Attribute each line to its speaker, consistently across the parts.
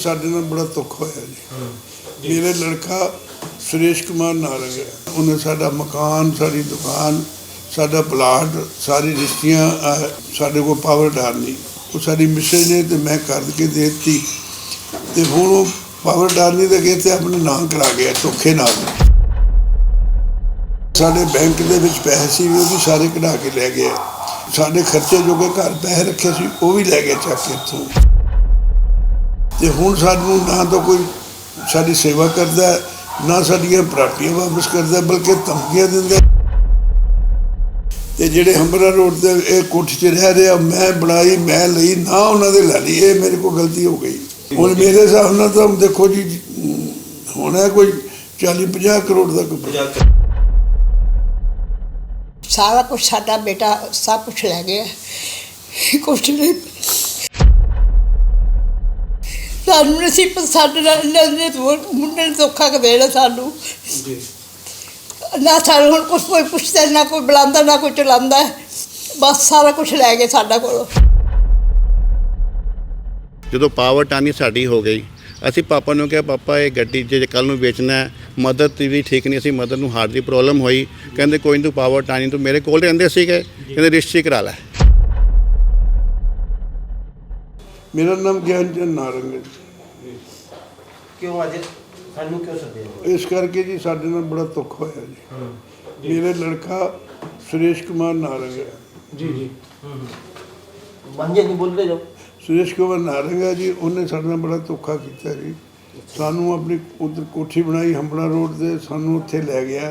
Speaker 1: ਸਾਡੇ ਨਾਲ ਬੜਾ ਦੁੱਖ ਹੋਇਆ ਜੀ। ਮੇਰੇ ਲੜਕਾ सुरेश कुमार नारंग है, उन्हें साडा मकान, साड़ी दुकान, साडा प्लाट, सारी रिश्तियाँ साडे को पावर डालनी वो साड़ी मिसेज ने तो मैं कर के दे दी तो हूँ वो पावर डालनी तो कहते अपने नाम करा गया धोखे नाल। साडे बैंक दे विच पैसे सी वो भी सारे कढ़ा के लै गए, साडे खर्चे जो के घर पैसे रखे सी वो भी लै गए चक के इत्थों ते हुण सानूं ना तो कोई साडी सेवा करदा ना साडियां प्रापर्टियां वापस करदा बल्कि धमकियां दिंदा ते जिहड़े हंबरा रोड ते इह कोठी च रह रहे मैं बनाई मैं लई ना उन्हां दे लै लई ये मेरे को गलती हो गई। हुण मेरे हिसाब नाल तां देखो जी होना कोई 40-50 करोड़ दा कोई
Speaker 2: सारा कुछ साडा बेटा सब कुछ लै गया कुछ नहीं सानू नसीब साडे मुंडे ने धोखा देना सानू ना सानू हुण कुछ कोई पुछदा ना कोई बुलांदा ना कोई चलांदा बस सारा कुछ लै गए साडा कोलों।
Speaker 3: ਜਦੋਂ ਪਾਵਰ ਟਾਨੀ ਸਾਡੀ ਹੋ ਗਈ ਅਸੀਂ ਪਾਪਾ ਨੂੰ ਕਿਹਾ ਪਾਪਾ ਇਹ ਗੱਡੀ ਜੇ ਕੱਲ੍ਹ ਨੂੰ ਵੇਚਣਾ ਮਦਰ ਦੀ ਵੀ ਠੀਕ ਨਹੀਂ ਸੀ, ਮਦਰ ਨੂੰ ਹਾਰਟ ਦੀ ਪ੍ਰੋਬਲਮ ਹੋਈ, ਕਹਿੰਦੇ ਕੋਈ ਨਹੀਂ ਤੂੰ ਪਾਵਰ ਟਾਨੀ ਤੂੰ ਮੇਰੇ ਕੋਲ ਰਹਿੰਦੇ ਸੀਗੇ ਕਹਿੰਦੇ ਰਜਿਸਟਰੀ ਕਰਾ ਲੈ।
Speaker 1: मेरा नाम ज्ञानचंद नारंग है।
Speaker 4: क्यों आज सानू क्यों सदे
Speaker 1: इस करके जी साडे नाल बड़ा दुख होया जी। मेरे लड़का सुरेश कुमार नारंग है
Speaker 4: जी जी मंजे नहीं बोलते जो
Speaker 1: सुरेश कुमार नारंग है जी, उन्हें साडे नाल बड़ा धोखा किया जी। सानू अपनी उधर कोठी बनाई हंबड़ा रोड से, सानू उत्थे लै गया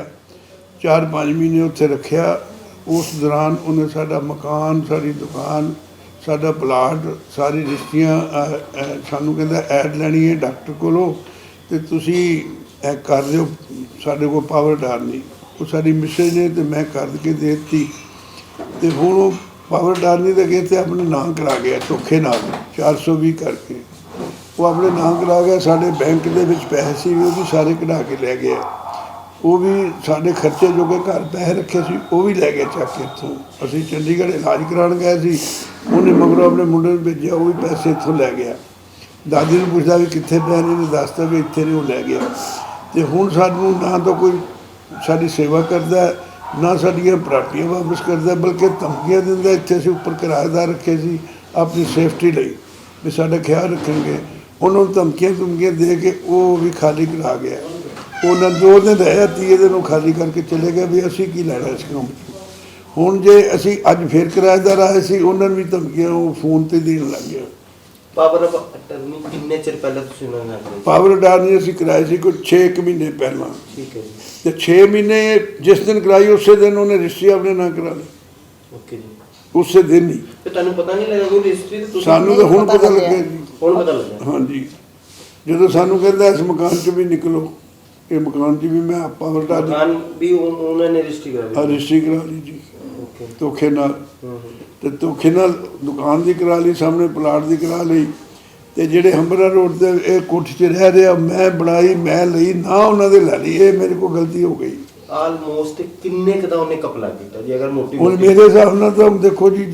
Speaker 1: 4-5 महीने उत्थे रखिया। उस दौरान उन्हें साडा मकान, साड़ी दुकान, साडा प्लाट, सारी रिश्तियाँ सानू कहंदा ऐड लैनी है डॉक्टर कोलों ते तुसीं कर दिओ साडे को पावर डालनी वो साडी मिसेज ने तो मैं कर के दे दी तो हुण वो पावर डालनी तो कहते अपने नाम करा गया धोखे नाल 420 करके वो अपने नाम करा गया। साडे बैंक दे विच पैसे सी वो भी सारे कढ़ा के लै गए, वो भी साढ़े खर्चे जो के घर पैसे रखे सी वो भी लै गए चक के इत्थों। असीं चंडीगढ़ इलाज कराउण गए सी, उन्हें मगरों अपने मुंडे नूं भेजिया वो भी पैसे इत्थों लै गया। दादी नूं पुछदा भी कित्थे पए ने, दसदा भी इत्थे ने वो लै गया। ते हुण सानूं ना तो कोई साडी सेवा करदा ना साडियां प्रापर्टियां वापस करदा बल्कि धमकियां दिंदा। इत्थे असीं उपर किराएदार रखे सी अपनी सेफ्टी लई भी साडा ख्याल रखणगे, उन्होंने धमकियां दे के वो भी खाली करा गया। उन्हें 2 दिन रहे 30 दिन वो खाली करके चले गए भी असी की लैना इस काम हुण जे असी अज फिर किराएदार आए सी उन्होंने भी धमकियां वो फोन ते देण लग गए।
Speaker 4: पावर अटर्नी किन्ने चिर पहले तुसीं उन्हां नाल
Speaker 1: पावर अटर्नी असी कराई सी कोई 6 महीने पहला
Speaker 4: ठीक है जी
Speaker 1: ते 6 महीने जिस दिन कराई उस दिन उन्हें रजिस्ट्री अपने ना करा ली
Speaker 4: ओके जी
Speaker 1: उस दिन ही
Speaker 4: ते तुहानूं पता नहीं लगा कोई रजिस्ट्री ते
Speaker 1: सानू तो हुण पता लगे जी।
Speaker 4: हुण पता लगा
Speaker 1: हाँ जी जदों सानू कहंदा इस मकान च भी निकलो ये मकान च भी मैं पावर अटर्नी
Speaker 4: मकान भी उन्होंने रजिस्ट्री करा ली
Speaker 1: रजिस्ट्री करा ली जी
Speaker 4: ओके
Speaker 1: धोखे नाल ते धोखे नाल दुकान दी करा ली, सामने प्लाट दी करा ली ते जिहड़े हंबरा रोड ते इह कोठी च रह रहे मैं बनाई मैं लई ना उन्हां दे लै लई ये मेरे को गलती हो गई।
Speaker 4: ऑलमोस्ट किन्ने क दा उन्हें कपला कीता जी अगर मोटी
Speaker 1: हुण मेरे हिसाब नाल तां देखो जी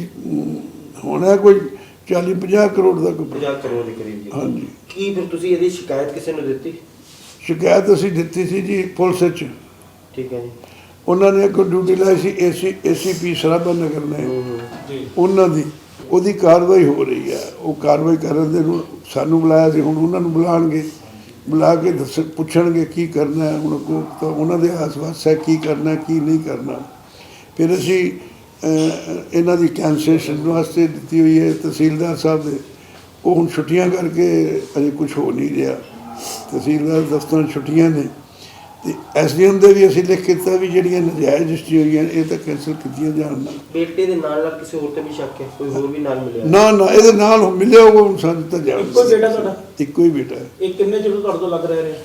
Speaker 1: होना कोई 40-50 करोड़ दा कोई
Speaker 4: 50 करोड़ ਦੇ ਕਰੀਬ ਜੀ।
Speaker 1: हाँ जी
Speaker 4: ਕੀ ਫਿਰ ਤੁਸੀਂ ਇਹਦੀ ਸ਼ਿਕਾਇਤ ਕਿਸੇ ਨੂੰ ਦਿੱਤੀ?
Speaker 1: शिकायत असीं दित्ती सी जी पुलिस च,
Speaker 4: ਠੀਕ ਹੈ ਜੀ
Speaker 1: उन्होंने एक ड्यूटी लाई सी ACP सराभा नगर ने उन्हों की ਉਹਦੀ कार्रवाई हो रही है। वो कार्रवाई करन दे सानू बुलाया सी हुण उन्होंने बुलाणगे बुला के दस पुछणगे की करना है हुण को तो उन्हों दे आस-पास है की करना की नहीं करना। फिर असी इन्हां दी कैंसलेशन वास्ते दित्ती हुई है तहसीलदार साहब ने, वो हुण छुट्टियां करके अजे कुछ हो नहीं रहा। तहसीलदार दफ्तर छुट्टियां ने ते SDM ਦੇ ਵੀ ਅਸੀਂ ਲਿਖ ਕੇ ਦਿੱਤਾ ਵੀ ਜਿਹੜੀਆਂ ਨਜਾਇਜ਼ ਰਜਿਸਟਰੀ ਹੋਈਆਂ ਇਹ ਤਾਂ ਕੈਂਸਲ ਕੀਤੀਆਂ ਜਾਣ ਨਾ।
Speaker 4: ਬੇਟੇ ਦੇ ਨਾਲ ਕਿਸੇ ਹੋਰ ਤੇ ਵੀ ਸ਼ੱਕ ਹੈ ਕੋਈ ਹੋਰ ਵੀ ਨਾਲ ਮਿਲਿਆ?
Speaker 1: ਨਾ ਨਾ ਇਹਦੇ ਨਾਲ ਮਿਲਿਆ ਉਹ ਸਾਨੂੰ ਤਾਂ ਜਾਣ
Speaker 4: ਇੱਕੋ ਬੇਟਾ ਤੁਹਾਡਾ?
Speaker 1: ਇੱਕੋ ਹੀ ਬੇਟਾ ਹੈ।
Speaker 4: ਇਹ ਕਿੰਨੇ ਚਿਰ ਤੁਹਾਡੇ ਤੋਂ ਲੱਗ ਰਿਹਾ?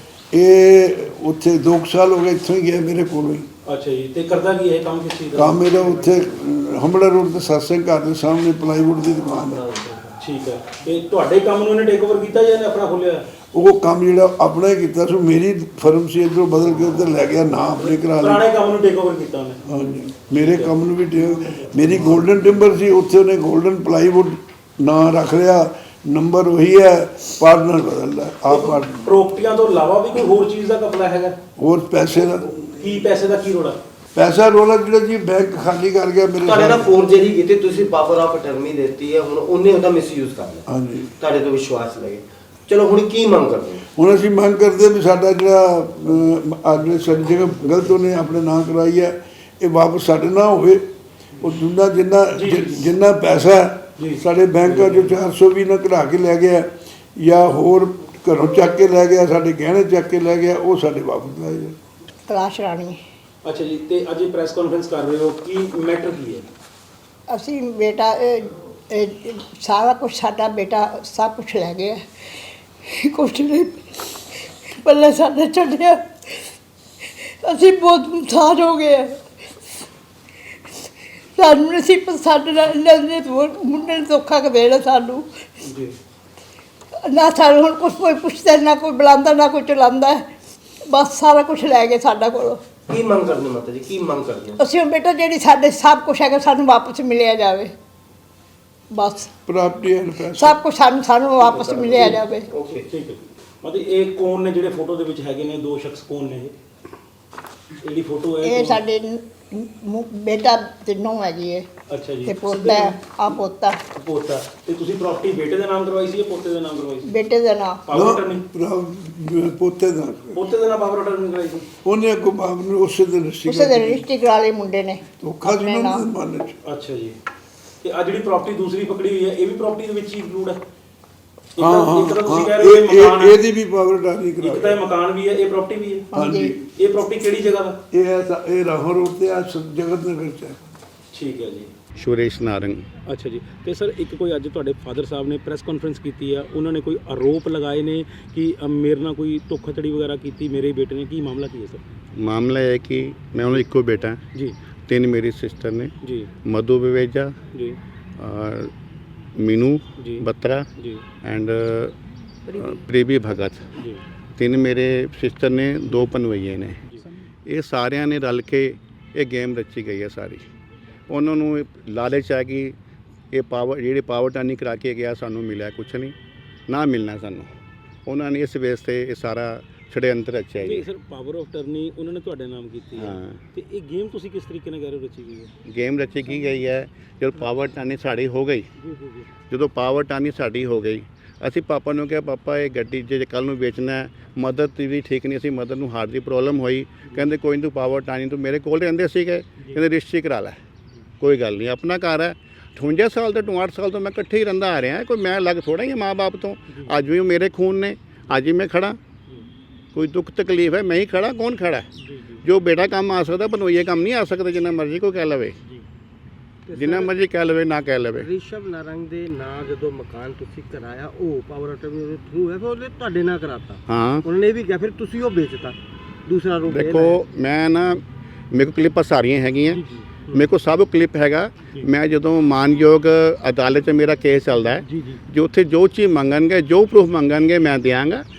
Speaker 1: ਇਹ ਉੱਥੇ 2 ਸਾਲ ਹੋ ਗਏ ਇੱਥੋਂ ਹੀ ਗਿਆ ਮੇਰੇ ਕੋਲੋਂ ਹੀ।
Speaker 4: ਅੱਛਾ ਜੀ ਤੇ ਕਰਦਾ ਕੀ ਹੈ ਕੰਮ ਕਿਸ ਚੀਜ਼ ਦਾ?
Speaker 1: ਕੰਮ ਮੇਰਾ ਉੱਥੇ ਹੰਬੜਾ ਰੋਡ ਤੇ ਸਤਸੰਗ ਘਰ ਦੇ ਸਾਹਮਣੇ ਪਲਾਈਵੁੱਡ ਦੀ ਦੁਕਾਨ ਹੈ।
Speaker 4: ਠੀਕ ਹੈ ਤੇ ਤੁਹਾਡੇ ਕੰਮ ਨੂੰ ਇਹਨੇ ਟੇਕ ਓਵਰ ਕੀਤਾ ਜਾਂ ਇਹਨੇ ਆਪਣਾ ਖੋਲਿਆ?
Speaker 1: वो काम जो अपना ही किया सो मेरी फर्म से इधरों बदल के उधर लै गया ना अपने करा लिया।
Speaker 4: पुराने काम ਨੂੰ ਟੇਕ ਓਵਰ ਕੀਤਾ ਉਹਨੇ?
Speaker 1: हाँ जी मेरे काम भी मेरी गोल्डन टिंबर सी उत्थे उन्हें गोल्डन प्लाईवुड ना रख लिया ਨੰਬਰ ਉਹੀ ਹੈ, ਪਾਰਟਨਰ ਬਦਲਦਾ ਹੈ, ਆਪ ਪਾਰਟਨਰ।
Speaker 4: ਪ੍ਰੋਪਰਟੀਆਂ ਤੋਂ ਇਲਾਵਾ ਵੀ ਕੋਈ ਹੋਰ ਚੀਜ਼ ਦਾ ਘਪਲਾ ਹੈਗਾ?
Speaker 1: ਹੋਰ ਪੈਸੇ ਦਾ
Speaker 4: ਪੈਸੇ ਦਾ ਕੀ ਰੋਲਾ?
Speaker 1: ਪੈਸਾ ਰੋਲਾ ਜਿਹੜਾ ਜੀ ਬੈਂਕ ਖਾਲੀ ਕਰ ਗਿਆ ਮੇਰੇ
Speaker 5: ਤੁਹਾਡੇ ਨਾਲ
Speaker 1: ਸਾਹਮਣੇ।
Speaker 5: ਫੋਰਜਰੀ ਕੀਤੀ, ਤੁਸੀਂ ਪਾਵਰ ਆਫ ਅਟਰਨੀ ਦਿੱਤੀ ਹੈ, ਹੁਣ ਉਹਨੇ ਉਹਦਾ ਮਿਸਯੂਜ਼ ਕਰ ਲਿਆ,
Speaker 1: ਹਾਂਜੀ।
Speaker 5: ਤੁਹਾਡੇ ਤੋਂ ਵਿਸ਼ਵਾਸ ਲਗੇ। ਚਲੋ ਹੁਣ ਕੀ ਮੰਗ ਕਰਦੇ ਹੋ?
Speaker 1: ਹੁਣ ਅਸੀਂ ਮੰਗ ਕਰਦੇ ਵੀ ਸਾਡਾ ਜਿਹੜਾ ਅਗਲੇ ਸਾਡੀ ਜਗ੍ਹਾ ਗਲਤ ਉਹਨੇ ਆਪਣੇ ਨਾਂ ਕਰਾਈ ਹੈ, ਇਹ ਵਾਪਸ ਸਾਡੇ ਨਾਲ ਹੋਵੇ। ਉਹ ਜਿੰਨਾ ਪੈਸਾ ਸਾਡੇ ਬੈਂਕਾਂ 'ਚੋਂ 420 ਨਾ ਕਢਾ ਕੇ ਲੈ ਗਿਆ ਜਾਂ ਹੋਰ ਘਰੋਂ ਚੱਕ ਕੇ ਲੈ ਗਿਆ, ਸਾਡੇ ਗਹਿਣੇ ਚੱਕ ਕੇ ਲੈ ਗਿਆ, ਉਹ ਸਾਡੇ ਵਾਪਸ ਲਾਏ ਜਾਣ।
Speaker 2: ਕਲਾਸ਼ ਰਾਣੀ।
Speaker 4: ਅੱਛਾ ਜੀ, ਤੇ ਅੱਜ ਇਹ ਪ੍ਰੈਸ ਕਾਨਫਰੰਸ ਕਰ ਰਹੇ ਹੋ, ਕੀ ਮੈਟਰ ਕੀ ਹੈ?
Speaker 2: ਅਸੀਂ ਬੇਟਾ ਸਾਰਾ ਕੁਝ ਸਾਡਾ ਬੇਟਾ ਸਭ ਕੁਝ ਲੈ ਗਿਆ, ਕੁਛ ਨਹੀਂ ਪੱਲੇ ਸਾਡੇ ਛੱਡਿਆ। ਅਸੀਂ ਬਹੁਤ ਮੁਤਾਜ ਹੋ ਗਏ। ਸਾਨੂੰ ਅਸੀਂ ਸਾਡੇ ਨਾਲ ਮੁੰਡੇ ਨੇ ਧੋਖਾ ਕਰ ਦੇਣਾ ਸਾਨੂੰ।
Speaker 4: ਜੀ।
Speaker 2: ਨਾ ਸਾਨੂੰ ਹੁਣ ਕੋਈ ਪੁੱਛਦਾ, ਨਾ ਕੋਈ ਬੁਲਾਉਂਦਾ, ਨਾ ਕੋਈ ਚਲਾਉਂਦਾ। ਬਸ ਸਾਰਾ ਕੁਝ ਲੈ ਗਏ ਸਾਡਾ ਕੋਲੋਂ।
Speaker 5: ਕੀ ਮੰਗ ਕਰਦੇ ਮਾਤਾ ਜੀ, ਕੀ ਮੰਗ ਕਰਦੇ ਹੋ?
Speaker 2: ਅਸੀਂ ਹੁਣ ਬੇਟਾ ਜਿਹੜੀ ਸਾਡੇ ਸਭ ਕੁਝ ਹੈਗਾ ਸਾਨੂੰ ਵਾਪਸ ਮਿਲਿਆ ਜਾਵੇ। ਬਸ
Speaker 1: ਪ੍ਰਾਪਰਟੀ ਐਂਡ ਪੈਸਾ
Speaker 2: ਸਭ ਕੁਝ ਸਾਨੂੰ ਵਾਪਸ ਮਿਲਿਆ ਜਾਵੇ।
Speaker 5: ਓਕੇ,
Speaker 4: ਠੀਕ ਹੈ। ਮਤਲਬ ਇਹ ਕੌਣ ਨੇ ਜਿਹੜੇ ਫੋਟੋ ਦੇ ਵਿੱਚ ਹੈਗੇ ਨੇ? ਦੋ ਸ਼ਖਸ ਕੌਣ ਨੇ ਇਹ? ਜਿਹੜੀ ਫੋਟੋ ਹੈ
Speaker 2: ਇਹ ਸਾਡੇ ਬੇਟਾ ਤੇ ਨੂੰਹ ਹੈਗੀ ਹੈ
Speaker 4: ਅੱਛਾ ਜੀ।
Speaker 2: ਤੇ ਪੋਤਾ ਆ ਪੋਤਾ
Speaker 4: ਪੋਤਾ। ਤੇ ਤੁਸੀਂ ਪ੍ਰਾਪਰਟੀ ਬੇਟੇ ਦੇ ਨਾਮ ਕਰਵਾਈ ਸੀ ਜਾਂ ਪੋਤੇ ਦੇ ਨਾਮ ਕਰਵਾਈ ਸੀ?
Speaker 2: ਬੇਟੇ ਦਾ ਨਾਂ
Speaker 4: ਪਾਵਰ ਅਟਰਨੀ?
Speaker 1: ਪੋਤੇ ਦਾ
Speaker 4: ਪੋਤੇ ਦੇ ਨਾਮ ਪਾਵਰ ਅਟਰਨੀ ਕਰਵਾਈ ਸੀ?
Speaker 1: ਉਹਨੇ ਅੱਗੋਂ ਬਾਪ ਨੂੰ ਉਸੇ ਦਿਨ ਰਜਿਸਟਰੀ
Speaker 2: ਉਸੇ ਦਿਨ ਰਜਿਸਟਰੀ ਕਰਾ ਲਈ ਮੁੰਡੇ ਨੇ।
Speaker 1: ਧੋਖਾ
Speaker 2: ਆਪਣੇ
Speaker 1: ਜਿਹਨਾਂ
Speaker 2: ਨਾਮ।
Speaker 1: ਦੇ ਮਨ 'ਚ।
Speaker 4: ਅੱਛਾ ਜੀ। ਤੇ ਆ ਜਿਹੜੀ ਪ੍ਰਾਪਰਟੀ ਦੂਸਰੀ ਪਕੜੀ ਹੋਈ ਹੈ, ਇਹ ਵੀ ਪ੍ਰਾਪਰਟੀ ਦੇ ਵਿੱਚ ਹੀ ਇਨਕਲੂਡ ਹੈ? ਇੱਕ ਤਾਂ ਤੁਸੀਂ ਕਹਿ ਰਹੇ ਹੋ ਇਹ ਮਕਾਨ ਹੈ,
Speaker 1: ਇਹਦੀ ਵੀ ਪਾਵਰ ਟਾਰੀ
Speaker 4: ਇੱਕ ਤਾਂ
Speaker 1: ਕਰਾ।
Speaker 4: ਇਹ ਮਕਾਨ ਵੀ ਹੈ, ਇਹ ਪ੍ਰਾਪਰਟੀ ਵੀ ਹੈ।
Speaker 1: ਹਾਂਜੀ।
Speaker 4: ਇਹ ਪ੍ਰਾਪਰਟੀ ਕਿਹੜੀ ਜਗ੍ਹਾ ਦਾ?
Speaker 1: ਇਹ ਰਾਹੋਂ ਰੋਡ ਤੇ ਆ ਜਗਤ ਨਗਰ 'ਚ ਹੈ।
Speaker 4: ਠੀਕ ਹੈ ਜੀ।
Speaker 3: ਸੁਰੇਸ਼ ਨਾਰੰਗ।
Speaker 4: ਅੱਛਾ ਜੀ। ਤੇ ਸਰ ਇੱਕ ਕੋਈ ਅੱਜ ਤੁਹਾਡੇ ਫਾਦਰ ਸਾਹਿਬ ਨੇ ਪ੍ਰੈਸ ਕਾਨਫਰੰਸ ਕੀਤੀ ਆ, ਉਹਨਾਂ ਨੇ ਕੋਈ ਆਰੋਪ ਲਗਾਏ ਨੇ ਕਿ ਮੇਰੇ ਨਾਲ ਕੋਈ ਧੋਖਾਧੜੀ ਵਗੈਰਾ ਕੀਤੀ ਮੇਰੇ ਬੇਟੇ ਨੇ, ਕੀ ਮਾਮਲਾ ਕੀ ਹੈ ਸਰ?
Speaker 3: ਮਾਮਲਾ ਇਹ ਹੈ ਕਿ ਮੈਂ ਉਹਨਾਂ ਦਾ ਇੱਕੋ ਬੇਟਾ,
Speaker 4: ਜੀ
Speaker 3: ਤਿੰਨ ਮੇਰੀ ਸਿਸਟਰ ਨੇ,
Speaker 4: ਜੀ
Speaker 3: ਮਧੂ ਵਿਵੇਜਾ,
Speaker 4: ਜੀ
Speaker 3: मीनू
Speaker 4: जी
Speaker 3: बत्रा
Speaker 4: जी
Speaker 3: एंड प्रीबी भगत।
Speaker 4: जी
Speaker 3: तीन मेरे सिस्टर ने, दो पनवैये ने। ये सारिਆਂ ने रल के ये गेम रची गई है सारी। ਉਹਨਾਂ ਨੂੰ ਲਾਲਚ ਹੈ ਕਿ ਇਹ ਪਾਵਰ ਜਿਹੜੀ ਪਾਵਰ ਟਾਨੀ ਕਰਾ ਕੇ ਗਿਆ ਸਾਨੂੰ ਮਿਲਿਆ ਕੁਛ ਨਹੀਂ, ਨਾ ਮਿਲਣਾ ਸਾਨੂੰ। ਉਹਨਾਂ ਨੇ ਇਸ ਵੇਸ ਤੇ ਇਹ ਸਾਰਾ ਛੜਯੰਤਰ ਰਚਿਆ
Speaker 4: ਜੀ।
Speaker 3: ਜੀ।
Speaker 4: ਸਰ ਪਾਵਰ ਆਫ ਟਰਨੀ ਉਹਨਾਂ ਨੇ ਤੁਹਾਡੇ ਨਾਮ ਕੀਤੀ ਹੈ,
Speaker 3: ਹਾਂ।
Speaker 4: ਤੇ ਇਹ ਗੇਮ ਤੁਸੀਂ ਕਿਸ ਤਰੀਕੇ ਨਾਲ ਕਹਿ ਰਹੇ ਹੋ ਰਚੀ ਗਈ ਹੈ?
Speaker 3: ਗੇਮ ਰਚੀ ਕੀ ਗਈ ਹੈ, ਜਦੋਂ ਪਾਵਰ ਟਾਨੀ ਸਾਡੀ ਹੋ ਗਈ,
Speaker 4: ਜੀ ਜੀ ਜੀ।
Speaker 3: ਜਦੋਂ ਪਾਵਰ ਟਾਨੀ ਸਾਡੀ ਹੋ ਗਈ, ਅਸੀਂ ਪਾਪਾ ਨੂੰ ਕਿਹਾ ਪਾਪਾ ਇਹ ਗੱਡੀ ਜੇ ਕੱਲ੍ਹ ਨੂੰ ਵੇਚਣਾ ਹੈ, ਮਦਦ ਵੀ ਠੀਕ ਨਹੀਂ, ਅਸੀਂ ਮਦਦ ਨੂੰ ਹਾਰਟ ਦੀ ਪ੍ਰੋਬਲਮ ਹੋਈ। ਕਹਿੰਦੇ ਕੋਈ ਨਹੀਂ ਤੂੰ ਪਾਵਰ ਟਾਨੀ, ਤੂੰ ਮੇਰੇ ਕੋਲ ਰਹਿੰਦੇ ਸੀਗੇ, ਕਹਿੰਦੇ ਰਜਿਸਟਰੀ ਕਰਾ ਲੈ, ਕੋਈ ਗੱਲ ਨਹੀਂ ਆਪਣਾ ਘਰ ਹੈ। 58 ਸਾਲ ਤੋਂ 58 ਸਾਲ ਤੋਂ ਮੈਂ ਇਕੱਠੇ ਹੀ ਰਹਿੰਦਾ ਆ ਰਿਹਾ, ਕੋਈ ਮੈਂ ਅਲੱਗ ਥੋੜ੍ਹਾ ਹੀ ਮਾਂ ਬਾਪ ਤੋਂ। ਅੱਜ ਵੀ ਉਹ ਮੇਰੇ ਖੂਨ ਨੇ, ਅੱਜ ਹੀ ਮੈਂ ਖੜਾ। ਕੋਈ ਦੁੱਖ ਤਕਲੀਫ ਹੈ ਮੈਂ ਹੀ ਖੜਾ, ਕੌਣ ਖੜਾ? ਜੋ ਬੇਟਾ ਕੰਮ ਆ ਸਕਦਾ ਬਨੋਈਏ ਕੰਮ ਨਹੀਂ ਆ ਸਕਦਾ, ਜਿੰਨਾ ਮਰਜ਼ੀ ਕੋਈ ਕਹਿ ਲਵੇ, ਜਿੰਨਾ ਮਰਜ਼ੀ ਕਹਿ ਲਵੇ, ਨਾ ਕਹਿ ਲਵੇ।
Speaker 6: ਰਿਸ਼ਵ ਨਾਰੰਗ ਦੇ ਨਾਂ ਜਦੋਂ ਮਕਾਨ ਤੁਸੀਂ ਕਰਾਇਆ, ਉਹ ਪਾਵਰ ਅਟਰਨੀ ਦੇ ਥਰੂ ਹੈ, ਫਿਰ ਉਹਨੇ ਤੁਹਾਡੇ ਨਾਂ ਕਰਾਤਾ।
Speaker 3: ਹਾਂ
Speaker 6: ਉਹਨਾਂ ਨੇ ਇਹ ਵੀ ਕਿਹਾ ਫਿਰ ਤੁਸੀਂ ਉਹ ਵੇਚਤਾ, ਦੂਸਰਾ ਰੂਪ ਇਹ
Speaker 3: ਦੇਖੋ, ਮੈਂ ਨਾ ਮੇਰੇ ਕੋਲ ਕਲਿੱਪਾਂ ਸਾਰੀਆਂ ਹੈਗੀਆਂ, ਮੇਰੇ ਕੋਲ ਸਭ ਕਲਿੱਪ ਹੈਗਾ। ਮੈਂ ਜਦੋਂ ਮਾਨਯੋਗ ਅਦਾਲਤ 'ਚ ਮੇਰਾ ਕੇਸ ਚੱਲਦਾ ਹੈ,
Speaker 6: ਜੀ ਜੀ
Speaker 3: ਜੋ ਉੱਥੇ ਜੋ ਚੀਜ਼ ਮੰਗਣਗੇ, ਜੋ ਪ੍ਰੂਫ ਮੰਗਣਗੇ ਮੈਂ ਦਿਆਂਗਾ।